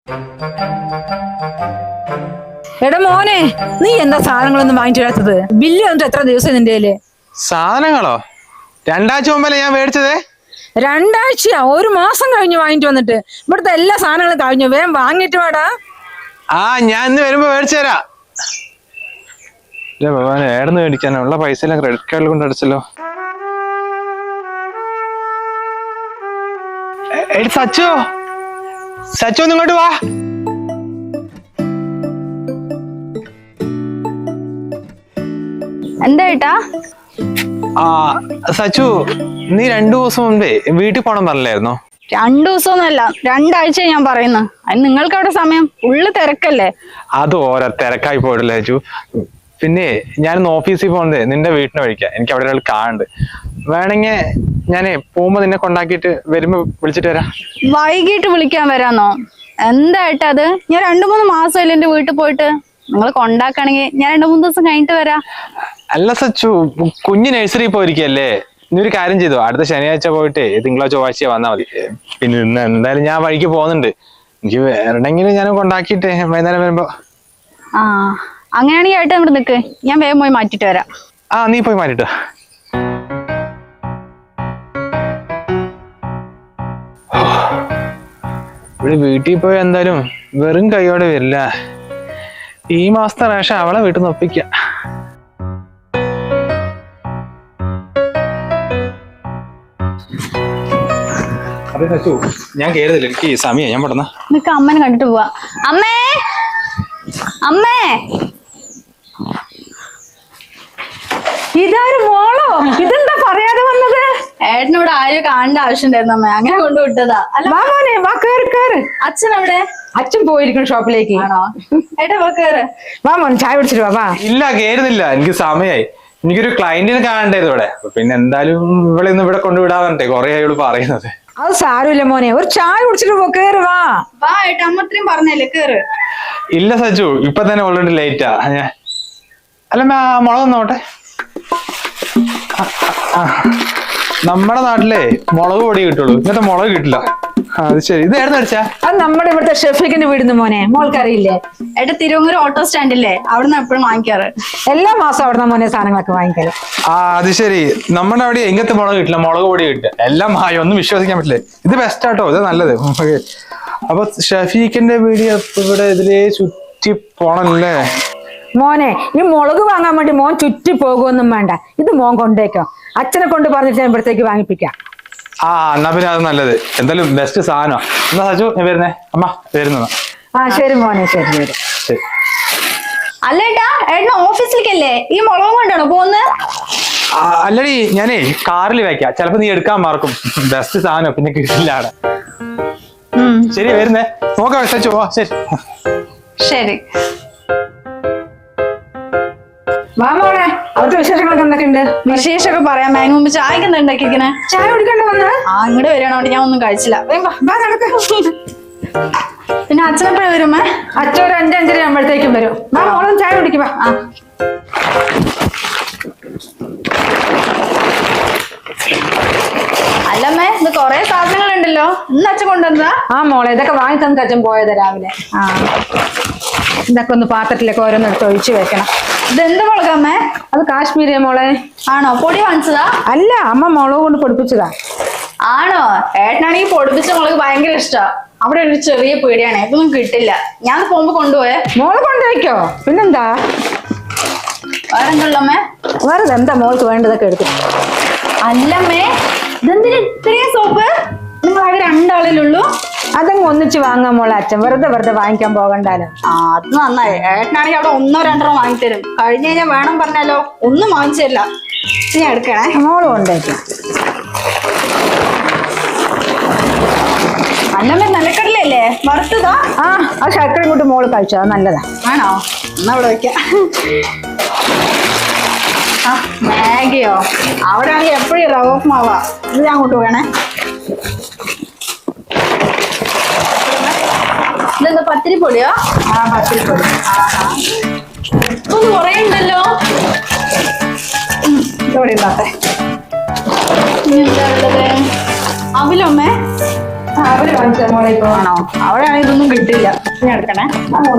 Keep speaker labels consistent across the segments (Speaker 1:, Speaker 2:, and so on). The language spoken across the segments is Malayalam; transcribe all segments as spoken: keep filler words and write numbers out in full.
Speaker 1: എടാ മോനെ, നീ എന്താ സാധനങ്ങളൊന്നും വാങ്ങിച്ചു തരാത്തത്? ബില്ല് വന്നിട്ട് എത്ര ദിവസം നിന്റെ കയ്യില്?
Speaker 2: സാധനങ്ങളോ? രണ്ടാഴ്ച മുമ്പല്ലേ ഞാൻ മേടിച്ചത്.
Speaker 1: രണ്ടാഴ്ചയാ? ഒരു മാസം കഴിഞ്ഞു വാങ്ങിട്ട് വന്നിട്ട്. ഇവിടുത്തെ എല്ലാ സാധനങ്ങളും കഴിഞ്ഞു. വേഗം വാങ്ങിട്ട് വേടാ.
Speaker 2: ആ, ഞാൻ ഇന്ന് വരുമ്പോ മേടിച്ചു തരാം. ഏടന്ന് മേടിക്കാനോ? ഉള്ള പൈസ എല്ലാം ക്രെഡിറ്റ് കാർഡിൽ കൊണ്ട് അടിച്ചല്ലോ. എടി സച്ചു, സച്ചു ഒന്ന് ഇങ്ങോട്ട് വാ.
Speaker 3: എന്താ ഏട്ടാ?
Speaker 2: ആ സച്ചു, നീ രണ്ടു ദിവസം മുമ്പേ വീട്ടിൽ പോണം പറഞ്ഞില്ലായിരുന്നോ?
Speaker 3: രണ്ടു ദിവസമൊന്നുമല്ല, രണ്ടാഴ്ച ഞാൻ പറയുന്നു. അത് നിങ്ങൾക്ക് അവിടെ സമയം ഉള്ളു തിരക്കല്ലേ?
Speaker 2: അത് ഓരോ തിരക്കായി പോയിട്ടില്ല സച്ചു. പിന്നെ ഞാനിന്ന് ഓഫീസിൽ പോകുന്നത് നിന്റെ വീട്ടിന് വഴിക്കാം. എനിക്ക് അവിടെ ഒരാൾ കാണുന്നുണ്ട്. വേണമെങ്കിൽ ഞാനേ പോകുമ്പോ നിന്നെ കൊണ്ടാക്കിയിട്ട് വരുമ്പോ വിളിച്ചിട്ട് വരാം.
Speaker 3: വൈകിട്ട് വിളിക്കാൻ വരാന്നോ? എന്താ ഏട്ടാ അത്? ഞാൻ രണ്ടു മൂന്ന് മാസമല്ലേ എന്റെ വീട്ടിൽ പോയിട്ട്. നിങ്ങൾ കൊണ്ടാക്കണെങ്കിൽ ഞാൻ രണ്ടു മൂന്ന് ദിവസം കഴിഞ്ഞിട്ട് വരാം.
Speaker 2: അല്ല സച്ചു, കുഞ്ഞ് നഴ്സറി പോയിരിക്കല്ലേ. നീ ഒരു കാര്യം ചെയ്തു, അടുത്ത ശനിയാഴ്ച പോയിട്ട് തിങ്കളോ ചൊവ്വാഴ്ച വന്നാൽ മതി. പിന്നെ ഇന്ന് എന്തായാലും ഞാൻ വഴിക്ക് പോകുന്നുണ്ട്. എനിക്ക് വേണമെങ്കിൽ ഞാൻ കൊണ്ടാക്കിയിട്ട് വൈകുന്നേരം വരുമ്പോ.
Speaker 3: ആ, അങ്ങനെയാണെങ്കിൽ ഏട്ടാ ഇവിടെ നിൽക്ക്, ഞാൻ വേഗം പോയി മാറ്റിട്ട് വരാം.
Speaker 2: ആ, നീ പോയി മാറ്റിട്ടോ. ഇവിടെ വീട്ടിൽ പോയി എന്തായാലും വെറും കൈയോടെ വരില്ല. ഈ മാസത്തെ റേഷൻ അവളെ വീട്ടിൽ നിന്ന് ഒപ്പിക്കാം. അതെ സച്ചു, ഞാൻ കേറുന്നില്ല, എനിക്ക് സമയം. ഞാൻ പെട്ടെന്ന്
Speaker 3: നിനക്ക് അമ്മനെ കണ്ടിട്ട് പോവാ. അമ്മേ, അമ്മേ.
Speaker 1: ഇതാരും മോളോ? ഇതെന്താ പറയാതെ വന്നത്?
Speaker 3: ഏട്ടനോട് ആരും കാണേണ്ട ആവശ്യം ഉണ്ടായിരുന്നു അമ്മ, അങ്ങനെ കൊണ്ട് വിട്ടതാ. അല്ല
Speaker 1: വാ മോനെ, വാ, കേറ് കേറ്.
Speaker 3: അച്ഛൻ എവിടെ?
Speaker 1: അച്ഛൻ പോയിരിക്കണം ഷോപ്പിലേക്ക്.
Speaker 3: ആണോ? ഏട്ടാ വാ, കേറ്.
Speaker 1: വാ മോനെ, ചായ കുടിച്ചിട്ട് വാ. വാ.
Speaker 2: ഇല്ല, കേറുന്നില്ല, എനിക്ക് സമയമായി. എനിക്കൊരു ക്ലയന്റിനെ കാണണ്ടായിരുന്നു ഇവിടെ. പിന്നെ എന്തായാലും ഇവിടെ നിന്ന് ഇവിടെ കൊണ്ടുവിടാൻ പറഞ്ഞേ കൊറേ ആയോള് പറയുന്നത്.
Speaker 1: അത് സാരമില്ല മോനെ, ഒരു ചായ കുടിച്ചിട്ട് പോ. കേറ് വാ.
Speaker 3: വാ ഏട്ടാ, അമ്മ അത്രയും പറഞ്ഞല്ലേ, കേറ്.
Speaker 2: ഇല്ല സച്ചു, ഇപ്പൊ തന്നെ ഓൾറെഡി ലേറ്റാ. ഞാൻ അല്ല മുളക് നോട്ടെ. നമ്മുടെ നാട്ടിലെ മുളക് പൊടി കിട്ടുള്ളൂ, ഇങ്ങനത്തെ മുളക് കിട്ടില്ല. അത് ശരി. ഇത് ഏടുന്ന് അടിച്ചാ? അത്
Speaker 1: നമ്മുടെ ഇവിടുത്തെ ഷെഫിക്കിന്റെ വീടുന്ന് മോനെ, മോൾക്കറിയില്ലേ?
Speaker 3: ഏട്ടാ തിരുവങ്ങൂർ ഓട്ടോ സ്റ്റാൻഡില്ലേ, അവിടുന്ന് എപ്പോഴും വാങ്ങിക്കാറ്.
Speaker 1: എല്ലാ മാസം അവിടുന്ന് മോനെ സാധനങ്ങളൊക്കെ വാങ്ങിക്കല്.
Speaker 2: ആ, അത് ശരി. നമ്മുടെ അവിടെ എങ്ങനത്തെ മുളക് കിട്ടില്ല, മുളക് പൊടി കിട്ടുക. എല്ലാം മായ, ഒന്നും വിശ്വസിക്കാൻ പറ്റില്ലേ. ഇത് ബെസ്റ്റ് ആട്ടോ, ഇത് നല്ലത്. അപ്പൊ ഷഫീഖിന്റെ വീഡിയോ ഇവിടെ ഇതിലേ ചുറ്റി പോണല്ലേ
Speaker 1: മോനെ? ഈ മുളക് വാങ്ങാൻ വേണ്ടി മോൻ ചുറ്റി പോകുമൊന്നും വേണ്ട, ഇത് മോൻ കൊണ്ടേക്കോ. അച്ഛനെ കൊണ്ട് പറഞ്ഞിട്ട് ഞാൻ ഇവിടത്തേക്ക് വാങ്ങിപ്പിക്കാം.
Speaker 2: ആ, എന്നാ പിന്നെ അത് നല്ലത്. എന്തായാലും ബെസ്റ്റ് സാധനം. എന്നാ സച്ചു, ഞാൻ വരുന്നേ. അമ്മ വരുന്നതാ.
Speaker 1: ആ ശരി മോനെ, ശരി ശരി
Speaker 2: ശരി.
Speaker 3: അല്ല ഏട്ടാ, ഏട്ടൻ ഓഫീസിലേക്കല്ലേ ഈ മുളകും കൊണ്ടാണോ പോകുന്നത്?
Speaker 2: അല്ലടി, ഞാനേ കാറിൽ വെക്കാം, ചിലപ്പോ നീ എടുക്കാൻ മറക്കും. ബെസ്റ്റ് സാധനം പിന്നെ കിട്ടില്ല അവിടെ. ശരി, വരുന്നേ. നോക്കാം സച്ചു. ഓ ശരി
Speaker 3: ശരി.
Speaker 1: വാ മോളെ, അവിടുത്തെ വിശേഷങ്ങളൊക്കെ എന്തൊക്കെയുണ്ട്?
Speaker 3: വിശേഷമൊക്കെ പറയാം. അതിന് മുമ്പ് ചായക്ക് എന്താ ഉണ്ടാക്കിയിരിക്കണേ?
Speaker 1: ചായ കുടിക്കണ്ട വന്ന്?
Speaker 3: ആ, ഇങ്ങോട്ട് വരണോണ്ട് ഞാൻ ഒന്നും കഴിച്ചില്ല. പിന്നെ അച്ഛനെപ്പോഴും വരുമേ?
Speaker 1: അച്ഛൻ ഒരു അഞ്ചഞ്ചര ആകുമ്പോഴത്തേക്കും വരും. വാ മോളും ചായ കുടിക്കുവാ.
Speaker 3: ആ, അല്ലമ്മേ, ഇത് കൊറേ സാധനങ്ങളുണ്ടല്ലോ. ഇന്ന് അച്ഛൻ കൊണ്ടുവന്നതാ?
Speaker 1: ആ മോളെ, ഇതൊക്കെ വാങ്ങി തന്നിട്ട് അച്ഛൻ പോയത് രാവിലെ.
Speaker 3: ആ,
Speaker 1: ഇതൊക്കെ ഒന്ന് പാത്രത്തിലേക്ക് ഓരോന്ന് എടുത്ത് ഒഴിച്ചു വെക്കണം.
Speaker 3: ഇതെന്ത് മുളകമ്മേ?
Speaker 1: അത് കാശ്മീരി മോളെ.
Speaker 3: ആണോ? പൊടി വാങ്ങിച്ചതാ?
Speaker 1: അല്ല, അമ്മ മുളക് കൊണ്ട് പൊടിപ്പിച്ചതാ.
Speaker 3: ആണോ? ഏട്ടനാണെങ്കിൽ പൊടിപ്പിച്ച മുളക് ഭയങ്കര ഇഷ്ടാ. അവിടെ ഒരു ചെറിയ പീടിയാണ്, ഇതൊന്നും കിട്ടില്ല. ഞാൻ പോകുമ്പോ കൊണ്ടുപോയേ.
Speaker 1: മോള് കൊണ്ടുപോയിക്കോ, പിന്നെന്താ.
Speaker 3: വേറെ എന്തുള്ളമ്മേ?
Speaker 1: വേറെ എന്താ മോൾക്ക് വേണ്ടതൊക്കെ എടുത്തു.
Speaker 3: അല്ലമ്മേ, ഇതെന്തിന് ഇത്രയും സോപ്പ്? നിങ്ങൾ ആകെ രണ്ടാളിലുള്ളൂ.
Speaker 1: അതങ്ങ് ഒന്നിച്ച് വാങ്ങാൻ മോളെ. അച്ഛൻ വെറുതെ വെറുതെ വാങ്ങിക്കാൻ പോകണ്ടാലോ.
Speaker 3: ആ, അത് നന്നായി. ഏട്ടനാണെങ്കിൽ അവിടെ ഒന്നോ രണ്ടോ വാങ്ങിത്തരും. കഴിഞ്ഞ് കഴിഞ്ഞാൽ വേണം പറഞ്ഞാലോ ഒന്നും വാങ്ങിച്ചു തരില്ല. ഞാൻ എടുക്കണേ.
Speaker 1: മോള് കൊണ്ടുപോയിക്കോ.
Speaker 3: അല്ലമ്മേ, നിലക്കടലല്ലേ വറുത്തതാ?
Speaker 1: ആ, ആ ശർക്കര കൊണ്ട് മോള് കഴിച്ചോ, അത് നല്ലതാ.
Speaker 3: ആണോ? എന്നാ അവിടെ വെക്കാം. ആ, മാഗിയോ? അവിടെ ആണെങ്കിൽ എപ്പോഴും റവ ഉപ്പുമാവാ. ഇത് ഞാൻ അങ്ങോട്ട് വേണേ. ഇതെന്താ പത്തിരിപ്പൊടിയോ?
Speaker 1: ആ, പത്തിരിപ്പൊടി.
Speaker 3: ഒന്ന് കുറേ ഉണ്ടല്ലോ.
Speaker 1: ഇതോടെ ഉണ്ടാട്ടെ.
Speaker 3: എന്താ ഉള്ളത്? അവിലമ്മേ?
Speaker 1: അവര് വാങ്ങിച്ച മോളെ ഇപ്പൊ
Speaker 3: ആണോ? അവിടെയാണെങ്കിൽ ഇതൊന്നും കിട്ടില്ല. ഞാൻ എടുക്കണേ.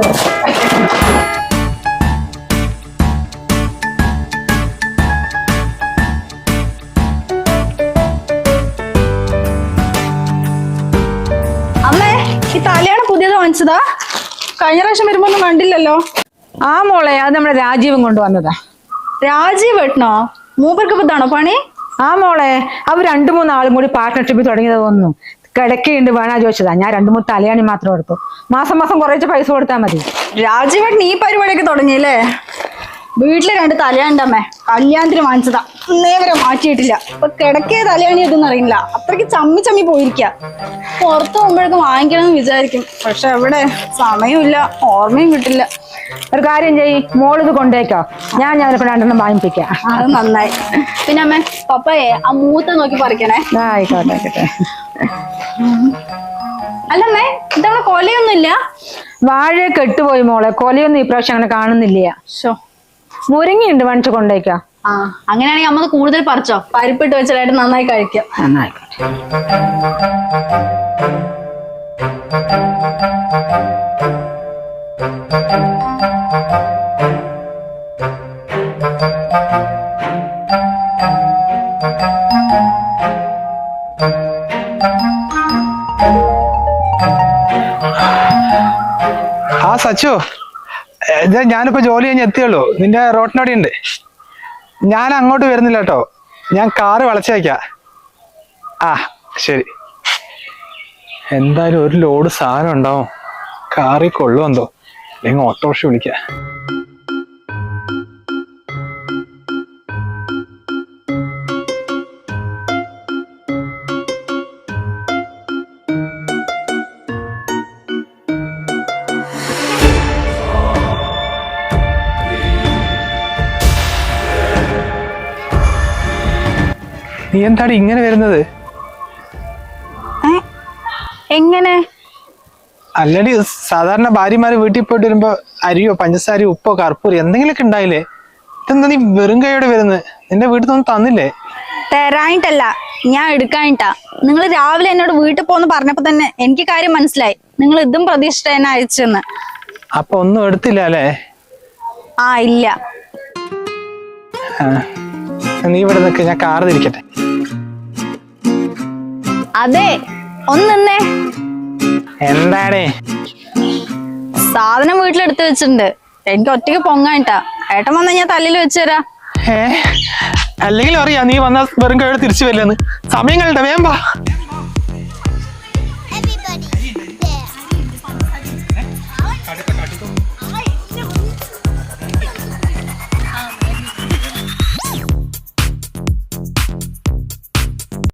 Speaker 3: അമ്മേ, ഈ തലയാണ് പുതിയത് വാങ്ങിച്ചതാ? കഴിഞ്ഞ പ്രാവശ്യം വരുമ്പോ ഒന്നും കണ്ടില്ലല്ലോ.
Speaker 1: ആ മോളെ, അത് നമ്മുടെ രാജീവൻ കൊണ്ടുവന്നതാ.
Speaker 3: രാജീവ് വെട്ടണോ? മൂപ്പർക്ക് ഇപ്പൊ ഇതാണോ പണി?
Speaker 1: ആ മോളെ, അവർ രണ്ടു മൂന്ന് ആളും കൂടി പാർട്ട്ണർഷിപ്പ് തുടങ്ങിയത് തോന്നുന്നു. കിടക്കയുണ്ട് വേണാ ചോദിച്ചതാ. ഞാൻ രണ്ടു മൂന്ന് തലയാണി മാത്രം എടുത്തു. മാസം മാസം കുറച്ച് പൈസ കൊടുത്താൽ മതി.
Speaker 3: രാജീവേട്ടൻ ഈ പരിപാടിയൊക്കെ തുടങ്ങിയല്ലേ? വീട്ടില് രണ്ട് തലയാണ്ടമ്മേ, കല്യാണത്തിന് വാങ്ങിച്ചതാ. ഇന്നേ വരെ മാറ്റിയിട്ടില്ല. ഇപ്പൊ കിടക്കേ തലയാണി ഇതൊന്നും അറിയില്ല. അത്രയ്ക്ക് ചമ്മി ചമ്മി പോയിരിക്ക. പുറത്തു പോകുമ്പോഴേക്കും വാങ്ങിക്കണം എന്ന് വിചാരിക്കും. പക്ഷെ എവിടെ സമയമില്ല, ഓർമ്മയും കിട്ടില്ല.
Speaker 1: ഒരു കാര്യം ചെയ്യ്, മോളിത് കൊണ്ടേക്കോ. ഞാൻ ഞാനിപ്പോ രണ്ടെണ്ണം വാങ്ങിപ്പിക്കാം.
Speaker 3: അത് നന്നായി. പിന്നെ അമ്മേ, പപ്പയെ ആ മൂത്ത നോക്കി പറിക്കണേ.
Speaker 1: ആ, ആയിക്കോട്ടെ ആയിക്കോട്ടെ.
Speaker 3: അല്ലമ്മേ, ഇതവിടെ കൊലയൊന്നുമില്ല?
Speaker 1: വാഴ കെട്ടുപോയി മോളെ. കൊലയൊന്നും ഈ പ്രാവശ്യം അങ്ങനെ കാണുന്നില്ല.
Speaker 3: ഷോ,
Speaker 1: മുരിങ്ങയുണ്ട്, വാങ്ങിച്ചു കൊണ്ടേക്കോ.
Speaker 3: ആ, അങ്ങനെയാണെങ്കിൽ അമ്മ കൂടുതൽ പറിച്ചോ. പരിപ്പിട്ട് വെച്ചാലായിട്ട് നന്നായി കഴിക്കാം.
Speaker 1: നന്നായിക്കോട്ടെ.
Speaker 2: ആ സച്ചു, ഇത് ഞാനിപ്പോ ജോലി കഴിഞ്ഞ് എത്തിയുള്ളൂ. നിന്റെ റോട്ടിനോടെ ഉണ്ട്. ഞാൻ അങ്ങോട്ട് വരുന്നില്ല കേട്ടോ. ഞാൻ കാറ് വളച്ചേക്കാം. ആ ശരി. എന്തായാലും ഒരു ലോഡ് സാധനം ഉണ്ടാവും. കാറിൽ കൊള്ളുമെന്തോ, അല്ലെങ്കിൽ ഓട്ടോറിക്ഷ വിളിക്കാം. നീ എന്താണ് ഇങ്ങനെ വരുന്നത്?
Speaker 3: എങ്ങനെ?
Speaker 2: അല്ലടി, സാധാരണ ഭാര്യമാര് വീട്ടിൽ പോയിട്ട് വരുമ്പോ അരിയോ പഞ്ചസാരയോ ഉപ്പോ കർപ്പൂരോ എന്തെങ്കിലുമൊക്കെ ഉണ്ടായില്ലേ? ഇതെന്താ നീ വെറും കൈയോടെ വരുന്നത്? നിന്റെ വീട്ടിൽ നിന്ന് തന്നില്ലേ?
Speaker 3: തരാനിട്ടല്ല, ഞാൻ എടുക്കാനിട്ടാ. നിങ്ങൾ രാവിലെ എന്നോട് വീട്ടിൽ പോന്ന് പറഞ്ഞപ്പോ തന്നെ എനിക്ക് കാര്യം മനസ്സിലായി. നിങ്ങൾ ഇതും പ്രതീക്ഷിച്ച എന്നെ അയച്ചെന്ന്.
Speaker 2: അപ്പൊ ഒന്നും എടുത്തില്ല അല്ലേ?
Speaker 3: ആ, ഇല്ല.
Speaker 2: നീ ഇവിടെ നിൽക്ക്, ഞാൻ കാറ് തിരിക്കട്ടെ.
Speaker 3: അതെ, ഒന്ന് നിന്നേ.
Speaker 2: എന്താണേ?
Speaker 3: സാധനം വീട്ടിലെടുത്ത് വെച്ചിട്ടുണ്ട്. എനിക്ക് ഒറ്റയ്ക്ക് പൊങ്ങാനിട്ടാ. ഏട്ടൻ വന്നാ ഞാൻ തല്ലിൽ വെച്ചുതരാ.
Speaker 2: ഏ അല്ലെങ്കിൽ അറിയാം നീ വന്ന വെറും കൈയോടെ തിരിച്ചു വരില്ലെന്ന്. സമയം കളണ്ട, വേഗം വാ.